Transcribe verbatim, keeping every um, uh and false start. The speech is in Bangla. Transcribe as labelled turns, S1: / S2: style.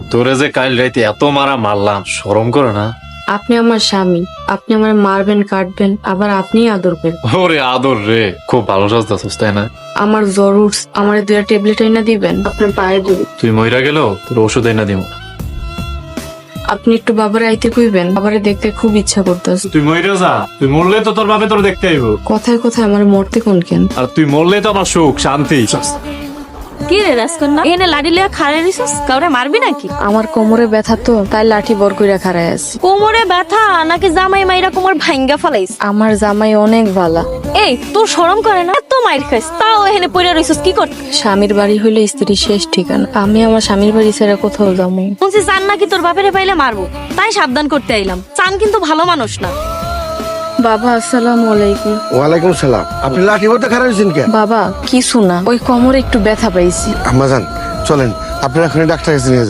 S1: তোরে যে কাল রাইতে এত মারা মারলাম, শরম করে না?
S2: আপনি আমার স্বামী, আপনি আমার মারবেন কাটবেন আবার আপনিই আদর করবেন।
S1: ওরে আদর রে, খুব ভালো সাজতেছিস তাই না?
S2: আমার জ্বর উঠছে, আমার দুটা ট্যাবলেট এনে দিবেন। আপনার পায়ে ধরি,
S1: তুই মইরা গেল তোর ওষুধ এনে দিব।
S2: আপনি একটু বাবারে আইতে কইবেন, বাবারে দেখতে খুব ইচ্ছা করতেছে।
S1: তুই মইরা যা, তুই মরলে তো তোর বাপে তোর দেখতে আইব।
S2: কথায় কথায় আমার মরতে কোন কেন?
S1: আর তুই মরলে তো আমার সুখ শান্তি।
S3: কি রে রাজকন্যা, এনে লাড়ি লিয়া খাড়ে রিসস, কাউরে মারবি নাকি?
S2: আমার কোমরে ব্যথা তো, তাই লাঠি বর কইরা খাড়ায় আছি।
S3: কোমরে ব্যথা নাকি জামাই মাইরা কোমর ভাঙ্গা ফেলাইস?
S2: আমার জামাই অনেক ভালা।
S3: এই তোর শরম করে না? এত মাইর খাইস তাও এখানে পড়ে রইছস কি কর?
S2: স্বামীর বাড়ি হইলে স্ত্রীর শেষ ঠিকানা। আমি আমার স্বামীর বাড়ি ছেড়ে কোথাও যাবো?
S3: শুনছি চান নাকি তোর বাপেরে পাইলে মারবো, তাই সাবধান করতে আইলাম। চান কিন্তু ভালো মানুষ না।
S2: বাবা আসসালামু আলাইকুম।
S4: ওয়ালাইকুম সালাম। আপনি লাঠি বলতে খারাপ হয়েছেন কে?
S2: বাবা কিছু না, ওই কোমরে একটু ব্যথা পাইছি।
S4: আম্মাজান চলেন, আপনারা এখনই ডাক্তার কাছে নিয়ে যান।